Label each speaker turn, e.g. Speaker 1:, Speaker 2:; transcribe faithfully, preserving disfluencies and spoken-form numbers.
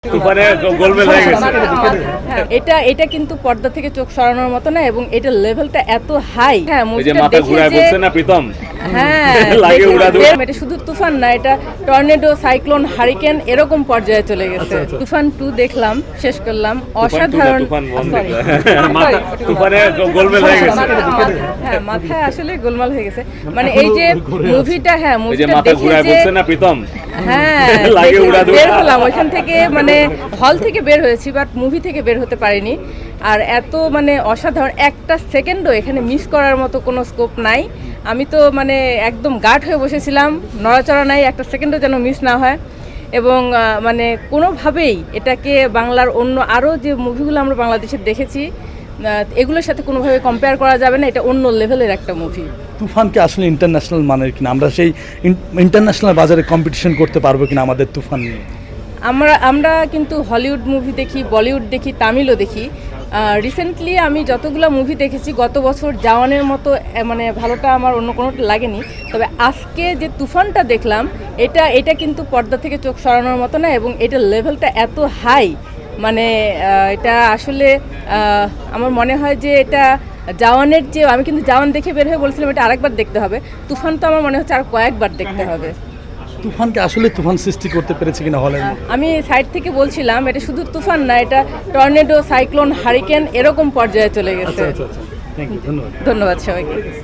Speaker 1: তুফানে গোলমেল হয়ে গেছে।
Speaker 2: হ্যাঁ, এটা এটা কিন্তু পর্দা থেকে চোখ সরানোর মতো না, এবং এটা লেভেলটা এত হাই। হ্যাঁ,
Speaker 1: ওই যে
Speaker 2: মুভিটা
Speaker 1: মাথা
Speaker 2: দেখে
Speaker 1: ঘুরায়
Speaker 2: যে
Speaker 1: বলছে না প্রীতম,
Speaker 2: হ্যাঁ
Speaker 1: লাগে
Speaker 2: দেখে
Speaker 1: উড়া দুরা।
Speaker 2: বের- এটা শুধু তুফান না, এটা টর্নেডো, সাইক্লোন, হারিকেন এরকম পর্যায়ে চলে গেছে। তুফান টু দেখলাম, শেষ করলাম, অসাধারণ।
Speaker 1: তুফান বন্ধ।
Speaker 2: Sorry,
Speaker 1: মাথা
Speaker 2: sorry,
Speaker 1: তুফানে গোলমেল হয়ে গেছে।
Speaker 2: মাথা- মাথা- হ্যাঁ, মাথায় আসলে গোলমাল হয়ে গেছে। মানে এই যে মুভিটা, হ্যাঁ
Speaker 1: ওই যে
Speaker 2: মুভিটা
Speaker 1: মাথা
Speaker 2: দেখে
Speaker 1: ঘুরায়
Speaker 2: যে
Speaker 1: বলছে না প্রীতম,
Speaker 2: হ্যাঁ
Speaker 1: লাগে
Speaker 2: দেখে
Speaker 1: উড়া দুরা।
Speaker 2: বের হলাম ওইখান থেকে, মানে হল থেকে বের হয়েছি বাট মুভি থেকে বের হতে পারিনি। আর এত মানে অসাধারণ, একটা সেকেন্ডও এখানে মিস করার মতো কোনো স্কোপ নাই। আমি তো মানে একদম গার্ড হয়ে বসেছিলাম, নড়াচড়া নাই, একটা সেকেন্ডও যেন মিস না হয়। এবং আহ, মানে কোনোভাবেই এটাকে বাংলার অন্য আরও যে মুভিগুলো আমরা বাংলাদেশে দেখেছি আহ, এগুলোর সাথে কোনোভাবে কম্পেয়ার করা যাবে না। এটা অন্য লেভেলের একটা মুভি।
Speaker 3: তুফানকে আসলে ইন্টারন্যাশনাল মানের কিনা, আমরা সেই ইন্টারন্যাশনাল বাজারে কম্পিটিশন করতে পারবো কিনা আমাদের তুফান নিয়ে?
Speaker 2: আমরা আমরা কিন্তু হলিউড মুভি দেখি, বলিউড দেখি, তামিলও দেখি। রিসেন্টলি আমি যতগুলো মুভি দেখেছি গত বছর জাওয়ানের মতো আহ, মানে ভালোটা আমার অন্য কোনোটা লাগেনি। তবে আজকে যে তুফানটা দেখলাম, এটা এটা কিন্তু পর্দা থেকে চোখ সরানোর মতো না, এবং এটার লেভেলটা এত হাই। মানে আহ, এটা আসলে আহ, আমার মনে হয় যে এটা জাওয়ানের যে, আমি কিন্তু জাওয়ান দেখে বের হয়ে বলছিলাম এটা আরেকবার দেখতে হবে। তুফান তো আমার মনে হচ্ছে আর কয়েকবার দেখতে হবে।
Speaker 3: তুফানকে আসলে তুফান সৃষ্টি করতে পেরেছে কিনা হলের মধ্যে?
Speaker 2: আমি সাইড থেকে বলছিলাম এটা শুধু তুফান না, এটা টর্নেডো, সাইক্লোন, হারিকেন এরকম পর্যায়ে চলে গেছে।
Speaker 3: আচ্ছা আচ্ছা আচ্ছা, থ্যাংক ইউ, ধন্যবাদ।
Speaker 2: ধন্যবাদ সবাইকে।